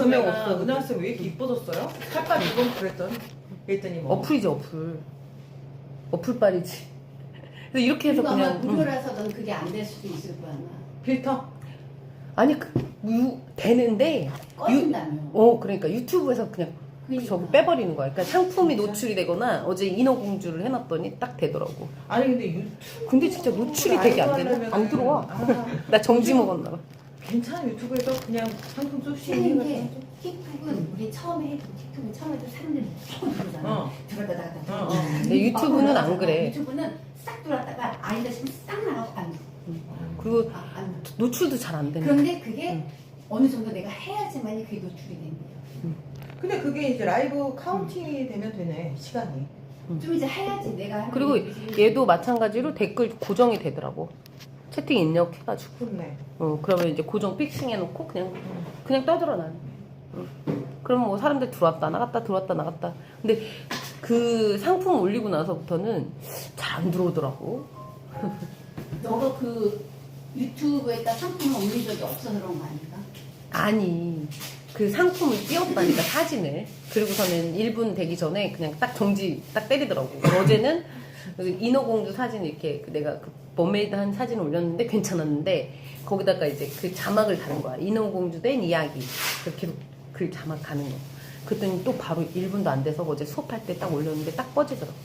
금액 없어. 은하쌤 왜 이렇게 이뻐졌어요? 살까 이건 그랬더니 뭐 어플이지 어플. 어플빨이지. 그래서 이렇게 해서 그리고 아마 그냥 무료라서는 그게 안 될 수도 있을 거야 아마. 필터? 아니 되는데 꺼진다며. 그러니까 유튜브에서 그냥 그러니까. 저기 빼버리는 거야. 그러니까 상품이 진짜? 노출이 되거나 어제 인어공주를 해놨더니 딱 되더라고. 아니 근데 유튜브 근데 진짜 노출이 되게 안 되네. 안 들어와. 나 정지 먹었나 봐. 괜찮아. 유튜브에서 그냥 상품 쏘시는 근데 이게 틱톡은 우리 처음에 해도 틱톡은 처음에 해도 사람들이 무조건 들어오잖아. 들어갔다 나갔다. 근데 유튜브는 안 그래. 유튜브는 싹 들어왔다가 아니다 싶으면 싹 나가고 안 돼. 그리고 안 돼. 노출도 잘 안 되네. 그런데 그게 어느 정도 내가 해야지만이 그게 노출이 되는 거야. 근데 그게 이제 라이브 카운팅이 되면 되네. 시간이. 좀 이제 해야지 내가 하는 그리고 거지. 얘도 마찬가지로 댓글 고정이 되더라고. 채팅 입력해가지고. 좋네. 그러면 이제 고정 픽싱 해놓고 그냥 떠들어 나는. 그러면 뭐 사람들 들어왔다 나갔다 들어왔다 나갔다. 근데 그 상품 올리고 나서부터는 잘 안 들어오더라고. 너가 그 유튜브에다 상품을 올린 적이 없어서 그런 거 아닐까? 아니 그 상품을 띄웠다니까 사진을. 그리고서는 1분 되기 전에 그냥 딱 정지 딱 때리더라고. 어제는 그 인어공주 사진 이렇게 내가 그 머메이드 한 사진을 올렸는데 괜찮았는데 거기다가 이제 그 자막을 다는 거야. 인어공주 된 이야기. 그렇게 글 자막 가는 거. 그랬더니 또 바로 1분도 안 돼서 어제 수업할 때 딱 올렸는데 딱 꺼지더라고.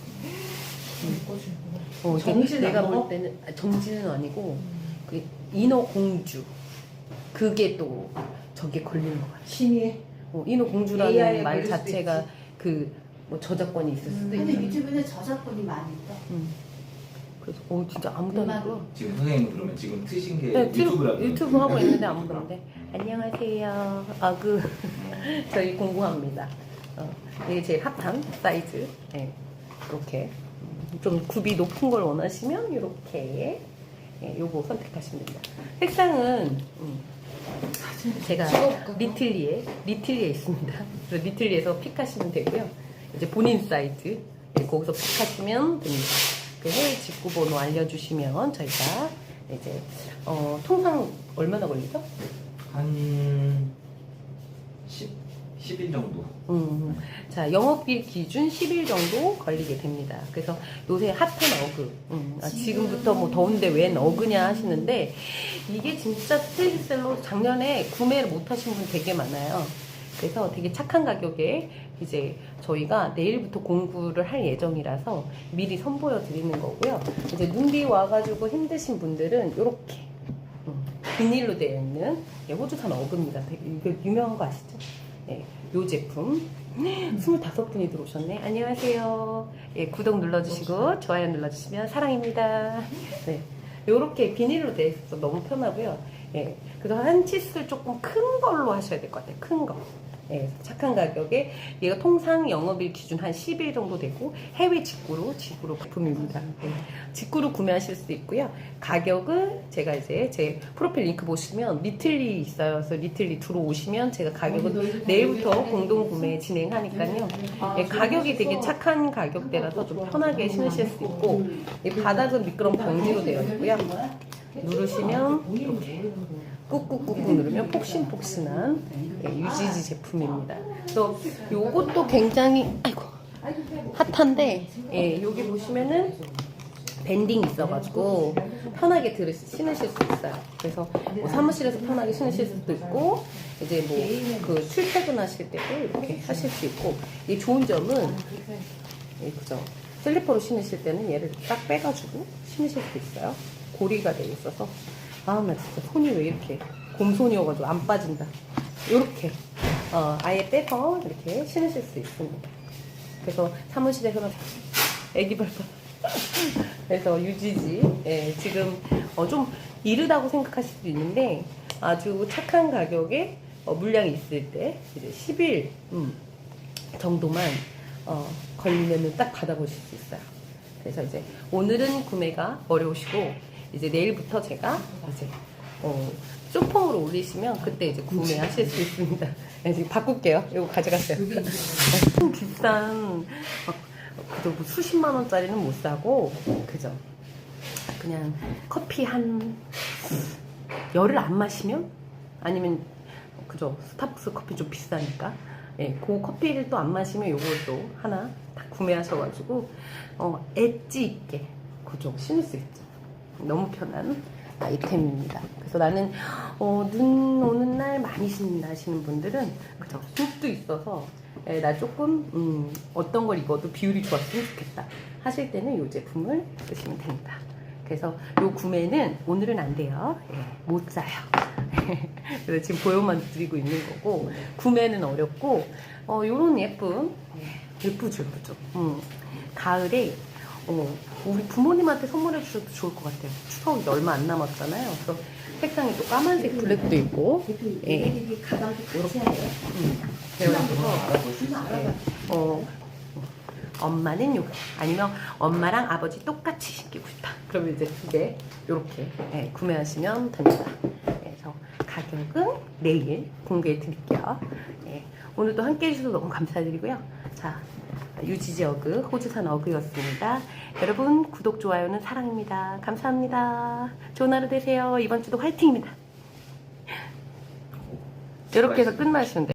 정지는 내가 안 볼 먹어? 때는 정지는 아니고 그 인어공주 그게 또 저게 걸리는 거야. 신이에 인어공주라는 AI에 말 걸릴 수도 자체가 그 뭐 저작권이 있을 수도 근데 있고. 유튜브는 저작권이 많이 있다. 그래서 진짜 아무도 안 하고. 지금 선생님은 그러면 지금 트신 게 네, 유튜브라고 유튜브 하고 있는데 아무도 안 돼. 안녕하세요. 저희 공부합니다. 이게 제일 핫한 사이즈. 네, 이렇게 좀 굽이 높은 걸 원하시면 이렇게 요거 선택하시면 됩니다. 색상은 제가 리틀리에 있습니다. 그래서 리틀리에서 픽하시면 되고요. 이제 본인 사이즈 거기서 픽하시면 됩니다. 그 해외 직구 번호 알려주시면 저희가 이제 통상 얼마나 걸리죠? 한 10일 정도. 자, 영업일 기준 10일 정도 걸리게 됩니다. 그래서 요새 핫한 어그. 지금부터 뭐 더운데 웬 어그냐 하시는데 이게 진짜 스테디셀러 작년에 구매를 못 하신 분 되게 많아요. 그래서 되게 착한 가격에 이제 저희가 내일부터 공구를 할 예정이라서 미리 선보여 드리는 거고요. 이제 눈비 와가지고 힘드신 분들은 이렇게 비닐로 되어 있는 호주산 어그입니다. 이거 유명한 거 아시죠? 네, 요 제품 25분이 들어오셨네. 안녕하세요. 구독 눌러주시고 좋아요 눌러주시면 사랑입니다. 네, 요렇게 비닐로 되어 있어서 너무 편하고요. 그래서 한 치수를 조금 큰 걸로 하셔야 될 것 같아요. 큰 거. 착한 가격에 얘가 통상 영업일 기준 한 10일 정도 되고 해외 직구로 제품입니다. 직구로 구매하실 수 있고요. 가격은 제가 이제 제 프로필 링크 보시면 리틀리 있어요. 그래서 리틀리 들어오시면 제가 가격은 내일부터 공동 구매 진행하니까요. 가격이 되게 착한 가격대라서 좀 편하게 신으실 수 있고 이 바닥은 미끄럼 방지로 되어 있고요. 누르시면 이렇게 꾹꾹꾹꾹 누르면 폭신폭신한 유지지 제품입니다. 그래서 요것도 굉장히 핫한데 여기 보시면은 밴딩이 있어가지고 편하게 신으실 수 있어요. 그래서 뭐 사무실에서 편하게 신으실 수도 있고 이제 뭐 그 출퇴근하실 때도 이렇게 하실 수 있고 이 좋은 점은 그죠? 슬리퍼로 신으실 때는 얘를 딱 빼가지고 신으실 수 있어요. 고리가 되어 있어서 나 진짜 손이 왜 이렇게 곰손이어가지고 안 빠진다. 요렇게 아예 빼서 이렇게 신으실 수 있습니다. 그래서 사무실에서는 애기 발바 그래서 유지지 지금 좀 이르다고 생각하실 수도 있는데 아주 착한 가격에 물량이 있을 때 이제 10일 정도만 걸리면은 딱 받아보실 수 있어요. 그래서 이제 오늘은 구매가 어려우시고 이제 내일부터 제가 이제 쇼폼으로 올리시면 그때 이제 구매하실 수 있습니다. 지금 바꿀게요. 이거 가져가세요. 좀 비싼 그저 뭐 수십만 원짜리는 못 사고 그죠? 그냥 커피 한 열을 안 마시면 아니면 그죠? 스타벅스 커피 좀 비싸니까. 예, 그 커피를 또 안 마시면 요것도 하나 딱 구매하셔가지고 엣지 있게 그죠? 신을 수 있죠. 너무 편한 아이템입니다. 그래서 나는 눈 오는 날 많이 신는다 하시는 분들은 그죠? 숲도 있어서 예, 나 조금 어떤 걸 입어도 비율이 좋았으면 좋겠다 하실 때는 이 제품을 쓰시면 됩니다. 그래서 요 구매는 오늘은 안 돼요. 예, 못 사요. 그래서 지금 보여만 드리고 있는 거고 구매는 어렵고 요런 예쁜 예쁘죠. 가을에 우리 부모님한테 선물해 주셔도 좋을 것 같아요. 추석이 얼마 안 남았잖아요. 그래서 색상이 또 까만색 블랙도 있고 예. 얘네들이 가방도 같이 해요. 그래서 알아봐. 엄마는 요거 아니면 엄마랑 아버지 똑같이 신기고 싶다. 그러면 이제 두 개 요렇게 구매하시면 됩니다. 그래서 가격은 내일 공개해 드릴게요. 오늘도 함께 해주셔서 너무 감사드리고요. 자, 유지지 어그 호주산 어그였습니다. 여러분 구독 좋아요는 사랑입니다. 감사합니다. 좋은 하루 되세요. 이번 주도 화이팅입니다. 이렇게 해서 끝마시면 돼요.